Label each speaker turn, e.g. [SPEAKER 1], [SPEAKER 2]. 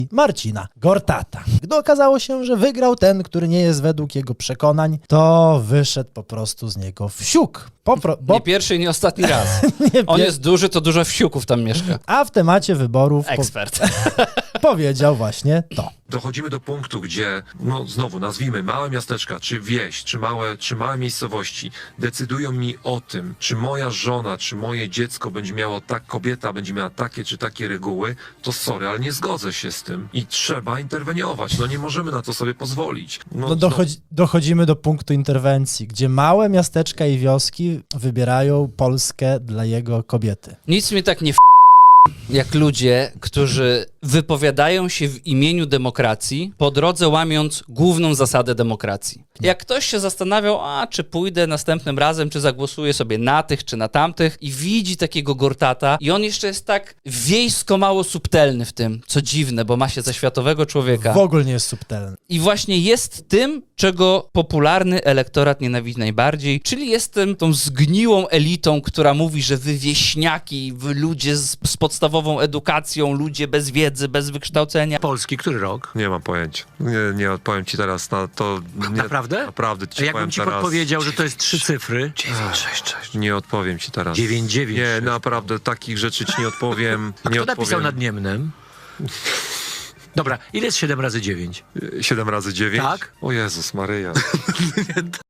[SPEAKER 1] Marcina Gortata. Gdy okazało się, że wygrał ten, który nie jest według jego przekonań, to wyszedł po prostu z niego wsiuk.
[SPEAKER 2] Nie pierwszy i nie ostatni raz. On jest duży, to dużo wsiuków tam mieszka.
[SPEAKER 1] A w temacie wyborów
[SPEAKER 2] Ekspert.
[SPEAKER 1] powiedział właśnie to.
[SPEAKER 3] Dochodzimy do punktu, gdzie, no znowu nazwijmy małe miasteczka, czy wieś, czy małe miejscowości, decydują mi o tym, czy moja żona, czy moje dziecko będzie miało kobieta będzie miała takie czy takie reguły, to sorry, ale nie zgodzę się z tym i trzeba interweniować. No nie możemy na to sobie pozwolić.
[SPEAKER 1] Dochodzimy do punktu interwencji, gdzie małe miasteczka i wioski wybierają Polskę dla jego kobiety.
[SPEAKER 2] Nic mnie tak nie jak ludzie, którzy wypowiadają się w imieniu demokracji, po drodze łamiąc główną zasadę demokracji. Jak ktoś się zastanawiał, czy pójdę następnym razem, czy zagłosuję sobie na tych, czy na tamtych i widzi takiego Gortata i on jeszcze jest tak wiejsko mało subtelny w tym, co dziwne, bo ma się za światowego człowieka.
[SPEAKER 1] W ogóle nie jest subtelny.
[SPEAKER 2] I właśnie jest tym, czego popularny elektorat nienawidzi najbardziej, czyli jest tą zgniłą elitą, która mówi, że wy wieśniaki, wy ludzie z podstawową edukacją, ludzie bez wiedzy, bez wykształcenia.
[SPEAKER 4] Polski, który rok?
[SPEAKER 3] Nie mam pojęcia. Nie odpowiem ci teraz na to.
[SPEAKER 4] Naprawdę?
[SPEAKER 3] Naprawdę ci
[SPEAKER 4] Jakbym
[SPEAKER 3] powiem
[SPEAKER 4] ci
[SPEAKER 3] teraz.
[SPEAKER 4] podpowiedział, że to jest 3 cyfry.
[SPEAKER 3] 966. Nie odpowiem ci teraz.
[SPEAKER 4] 996.
[SPEAKER 3] Nie, naprawdę takich rzeczy ci nie odpowiem.
[SPEAKER 4] A
[SPEAKER 3] nie
[SPEAKER 4] kto
[SPEAKER 3] odpowiem.
[SPEAKER 4] napisał nad Niemnem? Dobra, ile jest 7 razy 9?
[SPEAKER 3] 7 razy 9?
[SPEAKER 4] Tak.
[SPEAKER 3] O Jezus Maryja.